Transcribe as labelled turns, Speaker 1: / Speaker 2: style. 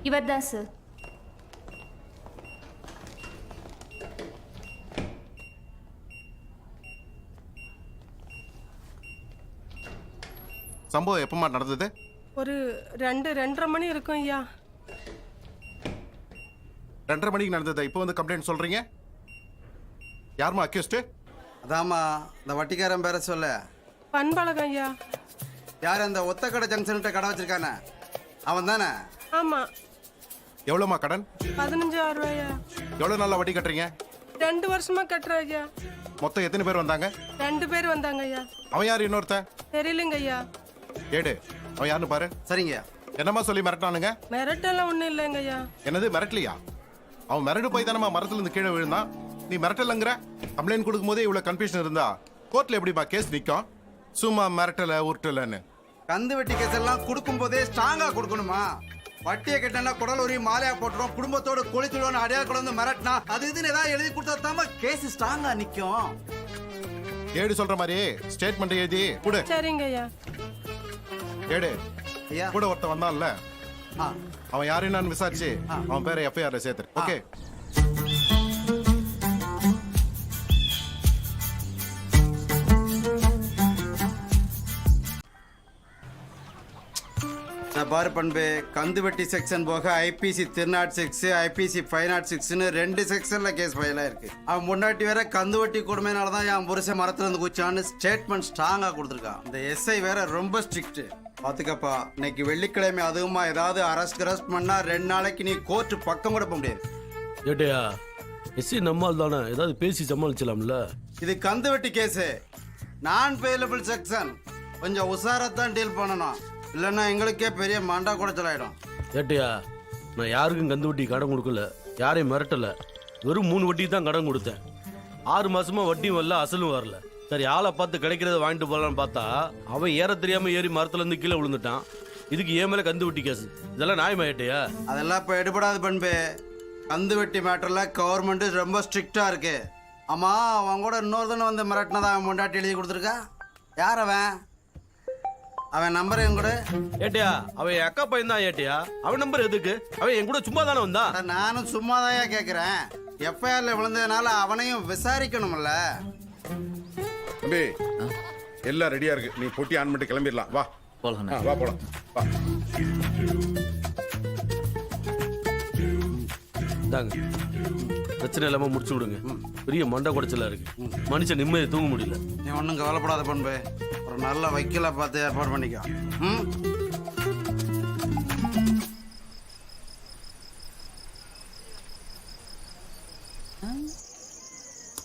Speaker 1: இவர்தான் சார்.
Speaker 2: சம்பவம் எப்பமா நடந்தது?
Speaker 3: ஒரு 2:30 மணி இருக்கும் ஐயா.
Speaker 2: 2:30 மணிக்கு நடந்தது. இப்போ வந்து கம்ப்ளைண்ட் சொல்றீங்க? யாருமா அக்யூஸ்ட்?
Speaker 4: அதாம்மா இந்த வட்டிக்காரன் பேர சொல்ல.
Speaker 3: பண்பழகம் ஐயா.
Speaker 4: யார் அந்த ஒத்தக்கடை ஜங்ஷன்கிட்ட கடை வச்சிருக்கானே அவன் தானே?
Speaker 3: ஆமா.
Speaker 2: எவ்வளோமா கடன்?
Speaker 3: 15,000 ரூபாயா.
Speaker 2: எவ்வளோ நாளா வட்டி கட்டுறீங்க?
Speaker 3: 2 வருஷமா கட்டுறேன் ஐயா.
Speaker 2: மொத்தம் எத்தனை பேர் வந்தாங்க?
Speaker 3: 2 பேர் வந்தாங்க ஐயா.
Speaker 2: அவன் யார் இன்னொருத்தன்?
Speaker 3: தெரியலங்க ஐயா.
Speaker 2: ஏடு அவன் யாருன்னு பாரு.
Speaker 4: சரிங்க.
Speaker 2: என்னம்மா சொல்லி மிரட்டானுங்க?
Speaker 3: மிரட்டெல்லாம் ஒன்றும் இல்லைங்க ஐயா.
Speaker 2: என்னது மிரட்டலையா? அவன் மிரண்டு போய் தானம்மா மரத்துல இருந்து கீழே விழுந்தான். நீ மிரட்டலங்கிற? கம்ப்ளைண்ட் கொடுக்கும் போதே இவ்வளோ கன்ஃபியூஷன் இருந்தா கோர்ட்ல எப்படிப்பா கேஸ் நிற்கும்? சும்மா மிரட்டல உருட்டலன்னு.
Speaker 4: கந்து வெட்டி கேஸ் எல்லாம் கொடுக்கும் போதே ஸ்ட்ராங்கா கொடுக்கணுமா? வட்டியை கட்டினா குடல் ஒரு மாலையா போட்டுரும், குடும்பத்தோட கொளித்துடுவோம், அடையாள கொண்டு வந்து மிரட்டினா அது இதுன்னு ஏதாவது எழுதி கொடுத்தா தாம கேஸ் ஸ்ட்ராங்கா நிக்கும்.
Speaker 2: ஏடு சொல்ற மாதிரி ஸ்டேட்மெண்ட் எழுதி கொடு.
Speaker 3: சரிங்க ஐயா.
Speaker 2: ஏடு
Speaker 4: ஐயா
Speaker 2: கூட ஒருத்தன் வந்தான்ல,
Speaker 4: ஆ
Speaker 2: அவன் யாருன்னு நான் விசாரிச்சு அவன் பேரை எஃப்ஐஆர்ல சேர்த்துரு. ஓகே.
Speaker 4: பாரு பண்பு, கந்து வெட்டி செக்ஷன் போக ஐபிசி 306 ஐபிசி 506ன்னு 2 செக்ஷன்ல கேஸ் ஃபைல் ஆயிருக்கு. அவன் முன்னாடி வேற கந்து வெட்டி கொடுமையினாலதான் என் புருஷன் மரத்துல இருந்து குச்சான்னு ஸ்டேட்மெண்ட் ஸ்ட்ராங்கா கொடுத்துருக்கான். இந்த எஸ்ஐ வேற ரொம்ப ஸ்ட்ரிக்ட். பாத்துக்கப்பா, இன்னைக்கு வெள்ளிக்கிழமை அதுவுமா ஏதாவது அரெஸ்ட் பண்ணா 2 நாளைக்கு நீ கோர்ட் பக்கம் கூட போக முடியாது.
Speaker 5: ஏட்டையா எஸ்சி நம்மால் தானே, ஏதாவது பேசி சமாளிச்சலாம்ல.
Speaker 4: இது கந்து வெட்டி கேஸு, நான் பெயிலபிள் செக்ஷன். கொஞ்சம் உஷாரத்தான் டீல் பண்ணணும், இல்லைன்னா எங்களுக்கே பெரிய மண்டா குடைச்சலாயிடும்.
Speaker 5: ஏட்டையா நான் யாருக்கும் கந்து வட்டி கடன் கொடுக்கல, யாரையும் மிரட்டல. வெறும் 3 வட்டிக்கு தான் கடன் கொடுத்தேன். 6 மாசமா வட்டியும் வரல, அசலும் வரல. சரி ஆளை பார்த்து கிடைக்கிறத வாங்கிட்டு போகலான்னு பார்த்தா அவன் ஏற தெரியாம ஏறி மரத்துல இருந்து கீழே விழுந்துட்டான். இதுக்கு ஏன் மேல கந்து வட்டி கேஸ்? இதெல்லாம் நியாயமா ஏட்டையா?
Speaker 4: அதெல்லாம் இப்போ எடுபடாது பண்பு. கந்து வெட்டி மேட்டர்ல கவர்மெண்ட் ரொம்ப ஸ்ட்ரிக்டா இருக்கு. ஆமா, அவன் கூட இன்னொருத்தன வந்து மிரட்டினதா அவன் முண்டாட்டி எழுதி கொடுத்துருக்கா. யார் அவன்? அவன் நம்பர் என் கூட.
Speaker 5: ஏட்டையா அவன் என் அக்கா பையன் தான். ஏட்டையா அவன் நம்பர் எதுக்கு? அவன் என் கூட சும்மா தானே வந்தான்.
Speaker 4: நானும் சும்மாதாயா கேட்கிறேன். எஃப்ஐஆர்ல விழுந்ததுனால அவனையும் விசாரிக்கணும்ல.
Speaker 2: தம்பி எல்லாம் ரெடியா இருக்கு, நீ பொட்டி ஆன் பண்ணிட்டு கிளம்பிடலாம். வா
Speaker 6: போலாம்.
Speaker 2: வா போலாம் வா.
Speaker 5: தாங்க பிரச்சனை இல்லாம முடிச்சு விடுங்க. பெரிய மண்டை குடைச்சலா இருக்கு, மனுஷன் நிம்மதியை தூங்க முடியல.
Speaker 4: நீ ஒன்றும் கவலைப்படாத பண்பு, ஒரு நல்ல வைக்கல பார்த்து ஏற்பாடு பண்ணிக்கோ. ம்